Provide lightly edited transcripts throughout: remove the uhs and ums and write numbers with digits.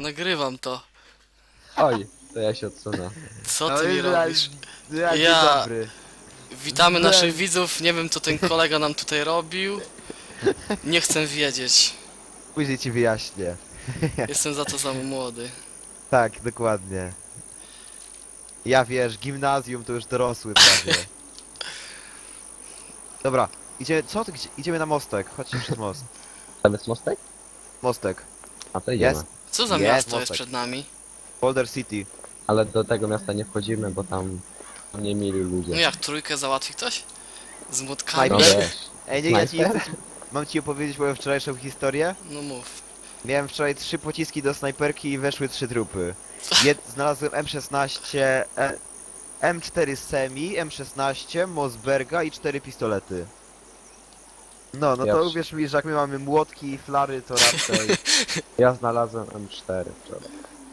Nagrywam to. Oj, to ja się odsunę. Co No ty mi i robisz? ja dzień Ja- dobry. Witamy No. naszych widzów. Nie wiem, co ten kolega nam tutaj robił. Nie chcę wiedzieć. Później ci wyjaśnię. Jestem za to za młody. Tak, dokładnie. Ja wiesz, gimnazjum to już dorosły prawie. Dobra, idziemy, co ty, idziemy na mostek, chodźcie przez most. Tam jest mostek? Mostek. A to idziemy. Jest. Co za Jest miasto jest mostek. przed nami? Boulder City. Ale do tego miasta nie wchodzimy, bo tam nie mieli ludzie. No jak, trójkę załatwi ktoś? Z młotkami? No Snajper? wiesz. Ej, nie, ja ci, Snajper? mam ci opowiedzieć moją wczorajszą historię? No mów. Miałem wczoraj 3 pociski do snajperki i weszły 3 trupy. Znalazłem M16, M4 Semi, M16, Mossberga i 4 pistolety. No to Pierwszy. uwierz mi, że jak my mamy młotki i flary, to raczej... Ja znalazłem M4 wczoraj.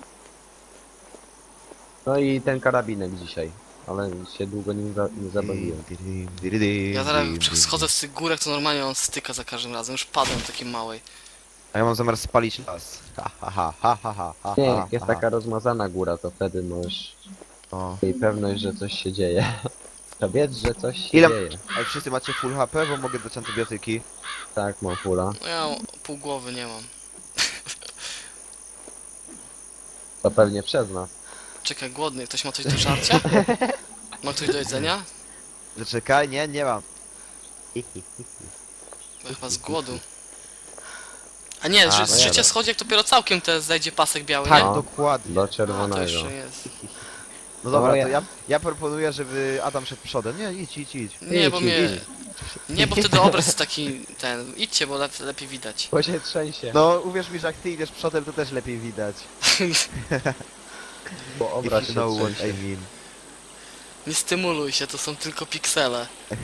No i ten karabinek dzisiaj. Ale się długo nie zabawiłem. Ja zaraz jak schodzę z tych górek, to normalnie on styka za każdym razem. Już padłem takiej małej. A ja mam zamiar spalić las. Ha ha ha ha ha ha ha. Nie, jak jest taka rozmazana góra, to wtedy masz O. jej pewność, że coś się dzieje. To wiedz, że coś się Ile- dzieje. Ej, wszyscy macie full HP, bo mogę dać antybiotyki. Tak, mam fula. No ja pół głowy nie mam. To pewnie przez nas. Czekaj, głodny. Ktoś ma coś do żarcia? Ma ktoś do jedzenia? Zaczekaj, nie mam. Bo chyba z głodu. A nie, A, że no życie jadę. schodzi, jak dopiero całkiem te zejdzie pasek biały, Tak, nie? No. dokładnie. Do A, to czerwonego. jeszcze jest. No dobra, No, to ja proponuję, żeby Adam szedł przodem. Nie, idź. Nie, bo Idź, mnie... idź. Nie, bo wtedy obraz jest taki... ten... Idźcie, bo lepiej widać. Bo się trzęsie. No, uwierz mi, że jak ty idziesz przodem, to też lepiej widać. Bo obraz If you się know what trzęsie. I mean. Nie stymuluj się, to są tylko piksele.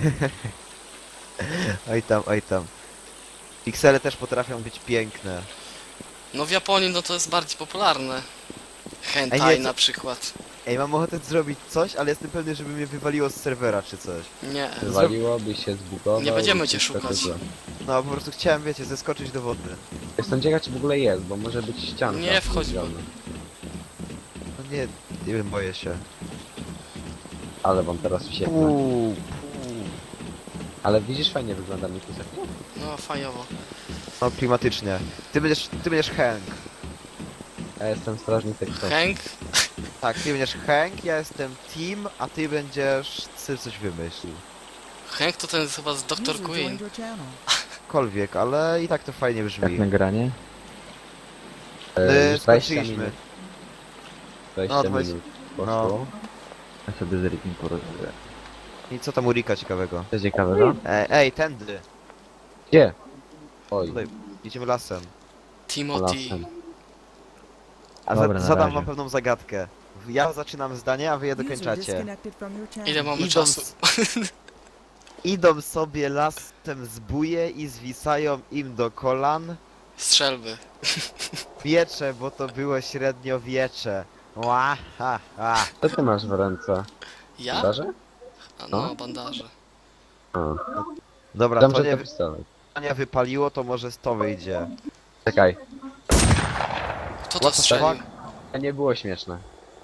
Oj tam. Piksele też potrafią być piękne. No w Japonii no to jest bardziej popularne. Ej, Hentai nie, na co- przykład. Ej, mam ochotę zrobić coś, ale jestem pewny, żeby mnie wywaliło z serwera czy coś. Nie. Wywaliłoby się, zbugował. Nie będziemy cię i wszystko szukać. złe. No, po prostu chciałem, wiecie, zeskoczyć do wody. Jestem ciekaw, czy w ogóle jest, bo może być ścianka. Nie wchodź, bo- zrobiona. No nie wiem, boję się. Ale wam teraz wsieknę. Uuu. Ale widzisz, fajnie wygląda mi kusek. No fajowo. No, klimatycznie. Ty będziesz Hank. Ja jestem strażnik tekstowy. Hank? Tak, ty będziesz Hank, ja jestem Tim, a ty będziesz... Ty coś wymyślił. Hank to ten jest chyba z Dr. Queen. Kolwiek, ale i tak to fajnie brzmi. nagranie? Skończyliśmy. 20 No, 20 minut poszło. no. Ja sobie z Rikiem porozmawiam. I co tam u Rika ciekawego? Co ciekawego? Ej, tędy. Gdzie? Oj, Tutaj, idziemy lasem. Timothy. lasem. A Dobra, na zadam razie. wam pewną zagadkę. Ja zaczynam zdanie, a wy je dokończacie. Ile mamy Idą czasu? Idą sobie lasem zbóje i zwisają im do kolan Strzelby. miecze, bo to było średniowiecze. Ła, ha, ha. Co ty masz w ręce? Ja? Bandaże? A no, bandaże. A. Dobra, Tam, to że nie, to pistolet. nie wypaliło, to może z to wyjdzie. Czekaj, Kto to What the strzelił? fuck? to nie było śmieszne.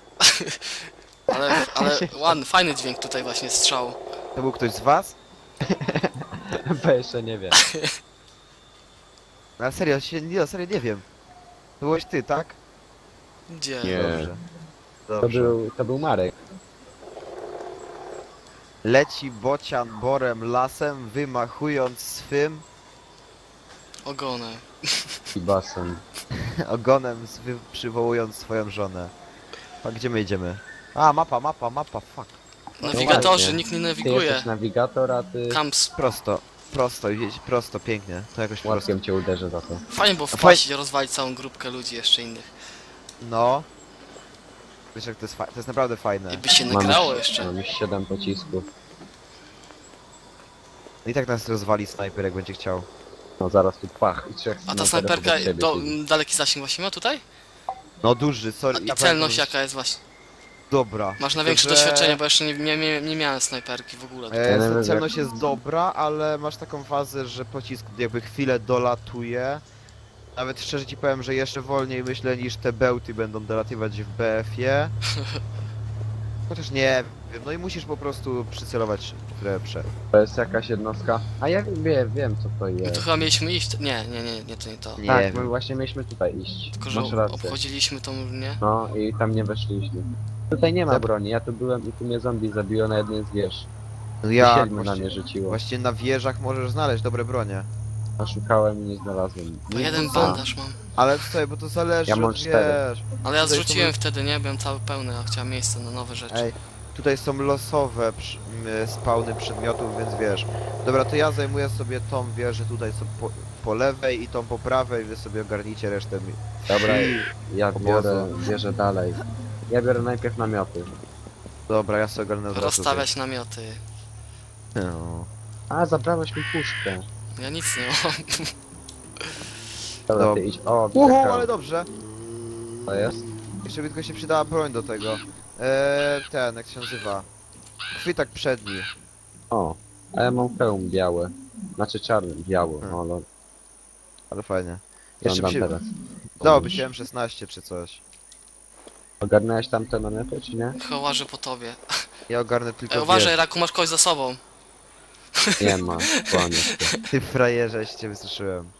Ale ładny, fajny dźwięk tutaj właśnie strzał. To był ktoś z was? Bo jeszcze nie wiem. No, ale serio, serio nie wiem. To byłeś ty, tak? Gdzie? Nie. Dobrze. To Dobrze. był Marek. Leci bocian borem lasem, wymachując swym Ogonem. I basen. ogonem, przywołując swoją żonę. A gdzie my idziemy? A, mapa, fuck. Nawigatorzy, właśnie. nikt nie Ty nawiguje. jesteś nawigator, a ty Kamps. Prosto, prosto, pięknie. To jakoś prosto. łatkiem cię uderzę za to. Fajnie było wpaść i rozwalić całą grupkę ludzi jeszcze innych. No. Wiesz jak to jest, to jest naprawdę fajne. I by się Mam nagrało już- jeszcze. Mam już 7 pocisków. I tak nas rozwali snajper, jak będzie chciał. No zaraz tu pach i trzech A ta snajperów snajperka obok siebie siedzi. daleki zasięg właśnie ma tutaj? No duży, sorry. I celność jaka jest właśnie? Dobra. Masz na większe Tylko, że, doświadczenie, bo jeszcze nie miałem snajperki w ogóle. Ja nie wiem, celność jest dobra, ale masz taką fazę, że pocisk jakby chwilę dolatuje Nawet szczerze ci powiem, że jeszcze wolniej myślę niż te bełty będą dolatywać w BF-ie. Chociaż nie wiem, no i musisz po prostu przycelować w lepsze. To jest jakaś jednostka. A ja wiem co to My jest. tu chyba mieliśmy iść. Nie, to nie to. Nie Tak, wiem. my właśnie mieliśmy tutaj iść. Tylko, że Masz rację. obchodziliśmy tą, nie? No i tam nie weszliśmy. Tutaj nie ma Zab- broni, ja tu byłem i tu mnie zombie zabiło na jednej z wież. No Ja, ja siedmiu na mnie rzuciło. właśnie na wieżach możesz znaleźć dobre bronie. A szukałem i nie znalazłem. Bo jeden A, bandaż mam. Ale słuchaj, bo to zależy Ja mam od 4. wiesz. Ale ja Tutaj zrzuciłem są- wtedy, nie? Byłem cały pełny, a chciałem miejsce na nowe rzeczy. Ej, tutaj są losowe spawny przedmiotów, więc wiesz. Dobra, to ja zajmuję sobie tą wieżę tutaj po lewej i tą po prawej, wy sobie ogarnijcie resztę. Dobra, I- ja bierę dalej. Ja biorę najpierw namioty. Dobra, ja sobie ogarnę od razu Rozstawiać namioty. tutaj. No. A, zabrałeś mi puszkę. Ja nic nie mam. Dobra, Dob- ty idź. O, Uhu, czekam. ale dobrze. To jest? Jeszcze by tylko się przydała broń do tego. Ten, jak się nazywa? Chwytak przedni. O, a ja mam hełm biały. Znaczy czarny, biały, Hmm. ale Ale fajnie. Jeszcze oglądam by się... teraz. Dałoby się M16 czy coś. Ogarnęłeś tam te namioty, czy nie? Chyba łażę po tobie. Ja ogarnę tylko Ej, uważaj, wieżę. Raku, masz kogoś za sobą. Nie ma, kłamiesz. Ty frajerze, cię wystraszyłem.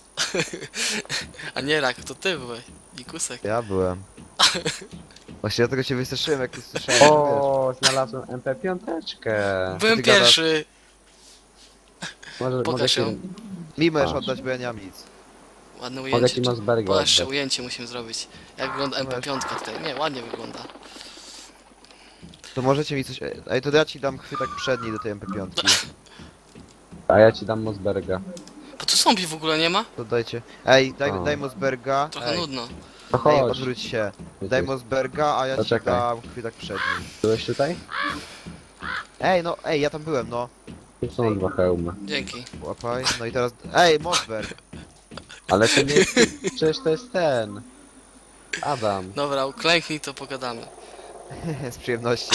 A nie Rak, to ty byłeś. Ikusek. Ja byłem. Właśnie dlatego cię wystraszyłem, jak usłyszałem. wiesz. O, znalazłem MP5. Byłem ty gadasz? pierwszy. Może Pokaż ci, ją. Mi możesz Masz. oddać, bo ja nie mam nic. Ładne mogę ujęcie. ci Mosberga Bo jeszcze oddać. ujęcie musimy zrobić. Jak wygląda MP5 tutaj. Nie, ładnie wygląda. To możecie mi coś... Ej, to ja ci dam chwytak przedni do tej MP5. A ja ci dam Mosberga. Bo tu zombie w ogóle nie ma? To dajcie. Ej, O. daj Mosberga. Trochę Ej, nudno. To ej, chodź. odwróć się. Ty Daj tu- Mosberga, a ja ci Poczekaj. dam chwytak przedni. Byłeś tutaj? Ej, no, ej, ja tam byłem, no. Tu są 2 hełmy. Dzięki. Łapaj. No i teraz... Ej, Mosberg! Ale to nie... Przecież to jest ten. Adam. Dobra, uklęknij, to pogadamy. Z przyjemnością.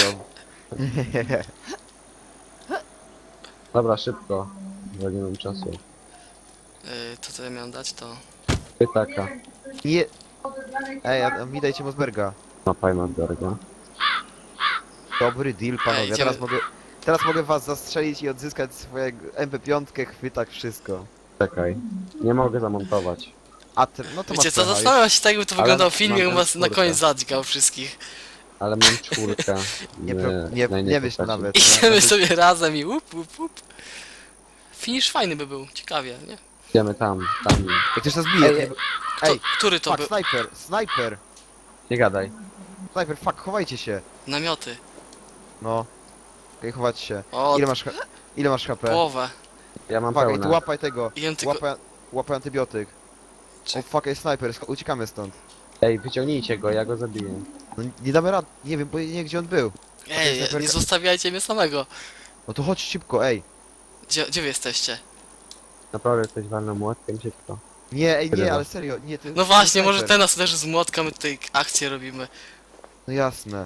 Dobra, szybko. Bo nie mam czasu. To co ja miałem dać, to... Pytaka. Nie... Ej, a mi dajcie Mosberga. Mapaj Mosberga. Dobry deal, panowie. idziemy. Teraz mogę was zastrzelić i odzyskać swojego MP5, chwytak, wszystko. Czekaj. Nie mogę zamontować. A ty, no to Wiecie masz co, pecha. zastanawiam się tak, jakby to Ale wyglądał film, mam jakbym was na czwórkę. koniec zadźgał wszystkich. Ale mam 4. Nie myśl nawet. Idziemy sobie razem i łup, łup, łup. Finish fajny by był, ciekawie, nie? Idziemy tam. Jak ktoś nas bije, Ej, nie... To, Ej, który to fuck, był? snajper, Nie gadaj. fuck, chowajcie się. Namioty. No. Okej, chować się. O, Ile masz HP? połowę. Ja mam Fuck, ej, pełne. tu łapaj tego. Jem tylko... Łapaj antybiotyk. O Czek- fuck, ej, snajper, uciekamy stąd. Ej, wyciągnijcie go, ja go zabiję. No nie damy rad, nie wiem, bo nie wiem gdzie on był. Ej, nie snajperka. zostawiajcie mnie samego. No to chodź szybko, ej. Gdzie wy jesteście? Naprawdę jesteś walną młotkiem szybko. Nie, ej, Tyle nie, was. ale serio, nie, ty... No właśnie, snajper. może ten nas uderzy z młotka, my tutaj akcję robimy. No jasne.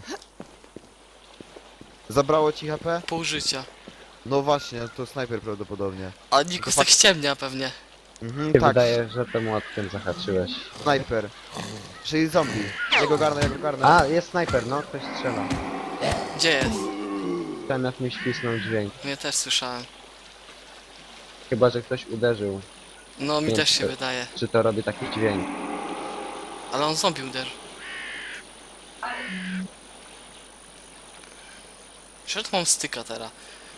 Zabrało ci HP? Pół życia. No właśnie, to snajper prawdopodobnie. A Nikus tak ściemnia pewnie. Mhm, Się tak, wydaje, że tym młotkiem zahaczyłeś. snajper. Czyli zombie. Ja go garnę. A, jest snajper, no, ktoś strzela. Gdzie jest? Ten jak mi świsnął dźwięk. Ja też słyszałem. Chyba, że ktoś uderzył. No mi Nie, też się to- wydaje. Czy to robi taki dźwięk? Ale on zombie uderzy. Przecież mam styka teraz.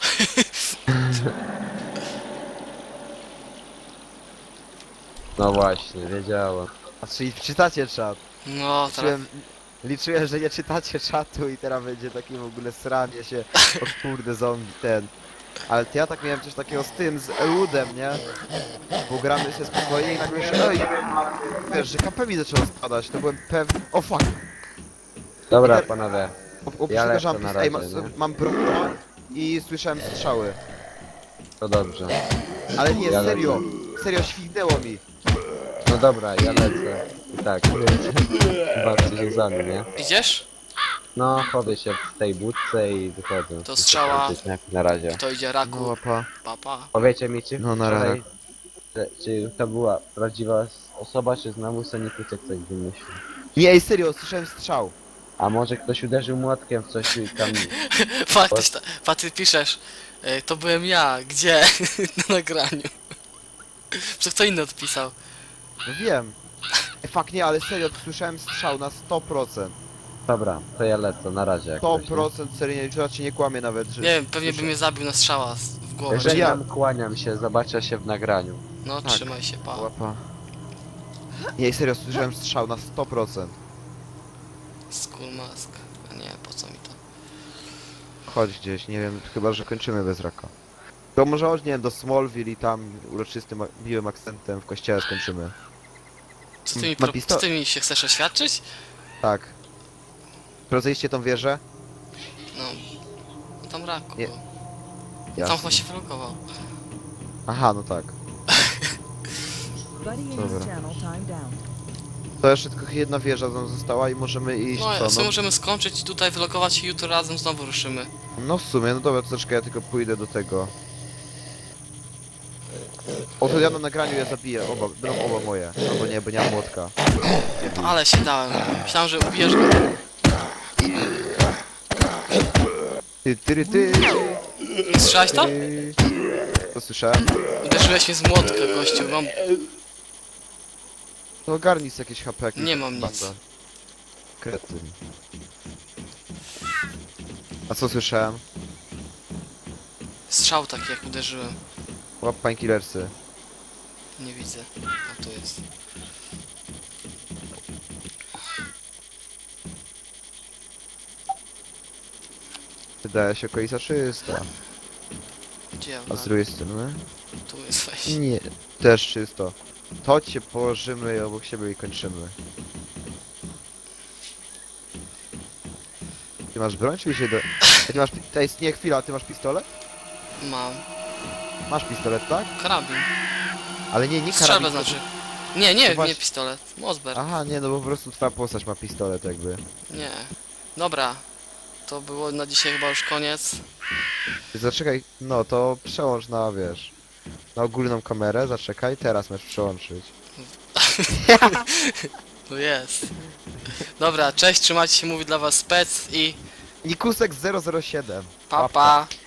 No właśnie, wiedziałem. A czyli czytacie czat. No, teraz... Liczyłem, że nie czytacie czatu i teraz będzie takie w ogóle sranie się. O kurde, zombie ten. Ale to ja tak miałem coś takiego z tym, z Eludem, nie? Bo gramy się spokojnie i nagle się... Ej! Wiesz, że KP mi zaczęło spadać, to byłem pewny... O fuck! Dobra, Peter- panowie. Oprócz tego lecę jumpy, na ej, razie, nie? mam broń i słyszałem strzały. To dobrze. Ale nie, Ja serio! Serio, śwignęło mi. No dobra, ja lecę. I tak, bawcie się z wami, nie? Idziesz? No, chodzę się w tej budce i wychodzę. To strzała. Na razie. Kto idzie? No Raku. łapa. Papa. Powiecie mi, czy No, na wczoraj, razie. czy to była prawdziwa osoba, czy znowu Sonikusek coś wymyślił. Nie, ej, serio, słyszałem strzał. A może ktoś uderzył młotkiem w coś i tam... Ty piszesz, to byłem ja, gdzie? Na nagraniu. Co kto inny odpisał? No wiem. Fakt nie, ale serio, słyszałem strzał na 100%. Dobra, to ja lecę, na razie jakoś, nie? 100% serio, już cię nie kłamie nawet, że... Nie wiem, pewnie by mnie zabił na strzała w głowę. Jeżeli ja- tam kłaniam się, zobaczę się w nagraniu. No, Tak. trzymaj się, pa. Łapa. Nie, serio, słyszałem strzał na 100%. Skull mask. A nie, po co mi to? Chodź gdzieś, nie wiem, chyba że kończymy bez raka. To może chodź, nie wiem, do Smallville i tam uroczystym, miłym akcentem w kościele skończymy. Co ty mi się chcesz oświadczyć? Tak. Rozejście tą wieżę? No, tam raku. Nie. Był. Tam Jasne. chyba się wylogował. Aha, no tak. Buddy in Dobra. his channel timed out. To jeszcze tylko jedna wieża nam została i możemy iść, No, a co? co No, możemy skończyć tutaj, wylogować się, jutro razem znowu ruszymy. no w sumie, no dobra, to troszkę ja tylko pójdę do tego. O, to ja na nagraniu je zabiję, będą oba moje. Albo nie, bo nie mam młotka. Ale się dałem. Myślałem, że ubijesz go. Ty. Słyszałeś to? To słyszałem? Uderzyłeś mnie z młotka, gościu. Mam... To ogarnij sobie jakieś HP. Nie mam nic. Banda. Kretyn. A co słyszałem? Strzał taki, jak uderzyłem. Łap painkillersy. Nie widzę. A tu jest. Wydaje się okolica czysta. Gdzie A z drugiej strony? Tu jest wejście. Nie, też czysto. To chodź się położymy i obok siebie i kończymy. Ty masz broń czy się do... Ty masz... Ej, nie, chwila, ty masz pistolet? Mam. Masz pistolet, tak? Karabin. Ale nie Strzelbę karabin. znaczy. Nie, nie, To właśnie- nie pistolet. Mosberg. Aha, nie, no bo po prostu twoja postać ma pistolet jakby. Nie. Dobra. To było na dzisiaj chyba już koniec. Ty zaczekaj, no to przełącz na, wiesz... Na ogólną kamerę, zaczekaj, teraz masz przełączyć. No jest. Dobra, cześć, trzymajcie się, mówi dla was Spec i Nikusek 007. pa pa.